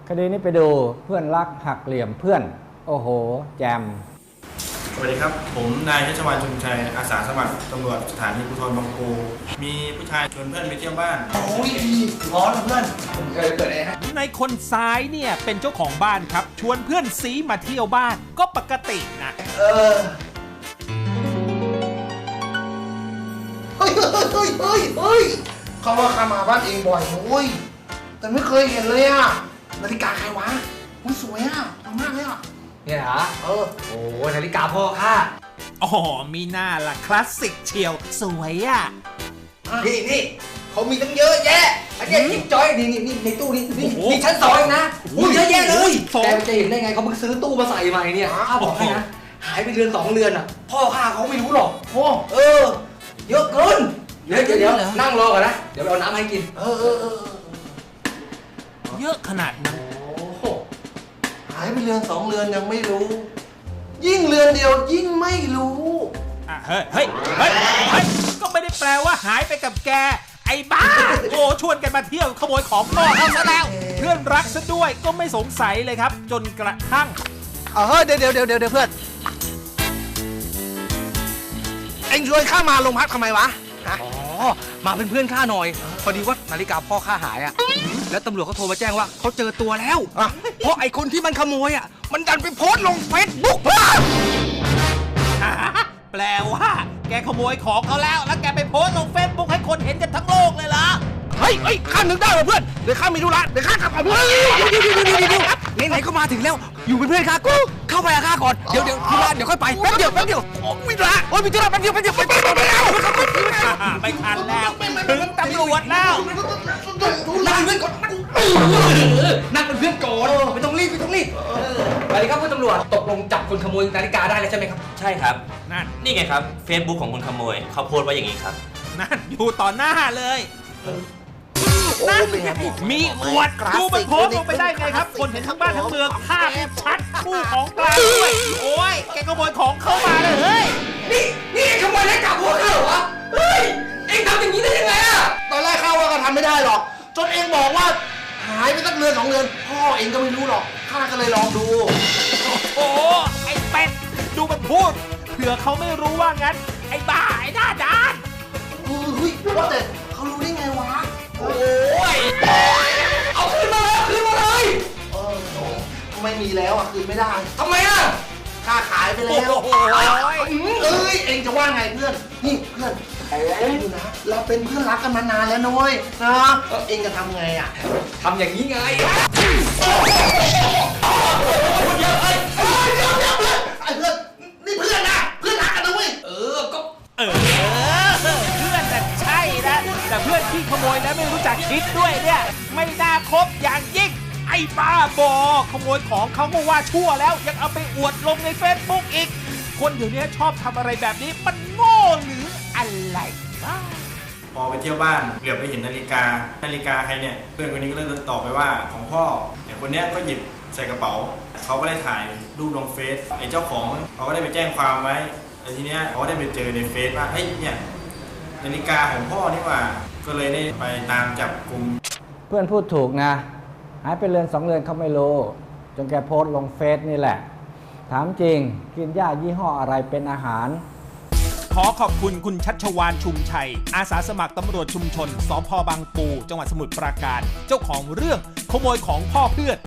คดีนี้ไปดูเพื่อนรักหักเหลี่ยมเพื่อนโอ้โหแจมสวัสดีครับผมนายชัชวาลชุมชัยอาสาสมัครตำรวจสถานีภูธรบางปูมีผู้ชายชวนเพื่อนไปเที่ยวบ้านโอ้ยร้อนเพื่อนผมเคยเปิดฮะในคนซ้ายเนี่ยเป็นเจ้าของบ้านครับชวนเพื่อนซีมาเที่ยวบ้านก็ปกตินะเฮ้ยเขาว่าข้ามาบ้านเองบ่อยนะเว้ยแต่ไม่เคยเห็นเลยอะนาฬิกาใครวะมันสวยอะสวยมากเลยอะเนี่ยฮะโอ้นาฬิกาพ่อข้าอ๋อมีหน้าล่ะคลาสสิกเชียวสวยอ่ะนี่เขามีตั้งเยอะแยะอันนี้จิ๊บจอยนี่ในตู้นี่ชั้น2เองนะเยอะแยะเลยแกจะเห็นได้ไงเขาเพิ่งซื้อตู้มาใส่ใหม่เนี่ยข้าบอกให้นะหายไปเดือน2เดือนอ่ะพ่อข้าเขาไม่รู้หรอกเยอะเกินเดี๋ยวนั่งรอก่อนนะเดี๋ยวไปเอาน้ำให้กินเยอะขนาดนั้นหายไปเรือน2เรือนยังไม่รู้ยิ่งเรือนเดียวยิ่งไม่รู้เฮ้ยก็ไม่ได้แปลว่าหายไปกับแกไอ้บ้าโอ้ชวนกันมาเที่ยวขโมยของพ่อเขาซะแล้วเพื่อนรักซะด้วยก็ไม่สงสัยเลยครับจนกระทั่งเดี๋ยวเพื่อนเอ็งชวนข้ามาโรงพักทำไมวะมาเป็นเพื่อนข้าหน่อยพอดีว่านาฬิกาพ่อข้าหายอ่ะแล้วตำรวจเขาโทรมาแจ้งว่าเขาเจอตัวแล้วเพราะไอ้คนที่มันขโมยอ่ะมันดันไปโพสต์ลงเฟซบุ๊กแปลว่าแกขโมยของเขาแล้วแกไปโพสต์ลงเฟซบุ๊กให้คนเห็นกันทั้งโลกเลยเหรอเฮ้ยข้านึกได้เพื่อนเดี๋ยวข้ามีธุระเดี๋ยวข้ากลับก่อนเพื่อนไหนก็มาถึงแล้วอยู่เป็นเพื่อนข้ากูเข้าไปกับข้าก่อนเดี๋ยวธุระเดี๋ยวค่อยไปแป๊บเดียวมีธุระมีธุระแป๊บเดียวไปแล้วไม่ทันแล้วถึงตำรวจแล้วนั่งเป็นเพื่อนก่อนไม่ต้องรีบสวัสดีครับคุณตำรวจตกลงจับคนขโมยนาฬิกาได้แล้วใช่ไหมครับใช่ครับนี่ไงครับ Facebook ของคนขโมยเขาโพสต์ไว้อย่างนี้ครับนั่นอยู่ต่อหน้าเลยนั่นมีอวดดูมันโพสต์ลงไปได้ไงครับคนเห็นทั้งบ้านทั้งเมืองภาพชัดคู่ของกลางด้วยโอ้ยแกขโมยของเข้ามาเลยเฮ้ยนี่ขโมยนาฬิกาพวกเขาเหรอวะเฮ้ยเอ็งทำอย่างนี้ได้ยังไงอะตอนแรกข้าว่าก็ทำไม่ได้หรอกจนเอ็งบอกว่าหายไปสักเรือน2เรือนพ่อเองก็ไม่รู้หรอกข้าก็เลยลองดูโอ้ไอ้เป็ดดูมันพูดเผื่อเขาไม่รู้ว่างั้นไอ้บ้าไอ้หน้าด้านเฮ้ยว่าแต่เขารู้ได้ไงวะโอ้ยเอาคืนมาเลยไม่มีแล้วอ่ะคืนไม่ได้ทำไมอ่ะข้าขายไปแล้วเองจะว่าไงเพื่อนนี่เพื่อนดูนะเราเป็นเพื่อนรักกันมานานแล้วนะเว้ยนะเองจะทำไงอ่ะทำอย่างนี้ไงนี่เพื่อนนะเพื่อนรักกันนะเว้ยก็เพื่อนแต่ใช่นะแต่เพื่อนที่ขโมยแล้วไม่รู้จักคิดด้วยเนี่ยไม่น่าคบอย่างยิ่งไอ้บ้าบอขโมยของเขาก็ว่าชั่วแล้วยังเอาไปอวดลงในเฟซบุ๊กอีกคนเดี๋ยวนี้ชอบทำอะไรแบบนี้มันโง่หรืออะไรบ้าพอไปเที่ยวบ้านเหลือบไปเห็นนาฬิกาใครเนี่ยเพื่อนคนนี้ก็เลยตอบไปว่าของพ่อแต่คนนี้ก็หยิบใส่กระเป๋าเขาก็ได้ถ่ายรูปลงเฟซไอ้เจ้าของเขาก็ได้ไปแจ้งความไว้แต่ทีเนี้ยเขาได้ไปเจอในเฟซว่าเฮ้ยเนี่ยนาฬิกาของพ่อนี่ว่าก็เลยได้ไปตามจับกุมเพื่อนพูดถูกนะหายไปเรือน2เรือนเขาไม่รู้จนแกโพสต์ลงเฟซนี่แหละถามจริงกินหญ้ายี่ห้ออะไรเป็นอาหารขอขอบคุณคุณชัชวาลชุมชัยอาสาสมัครตำรวจชุมชนสภ.บางปูจังหวัดสมุทรปราการเจ้าของเรื่องขโมยของพ่อเพื่อน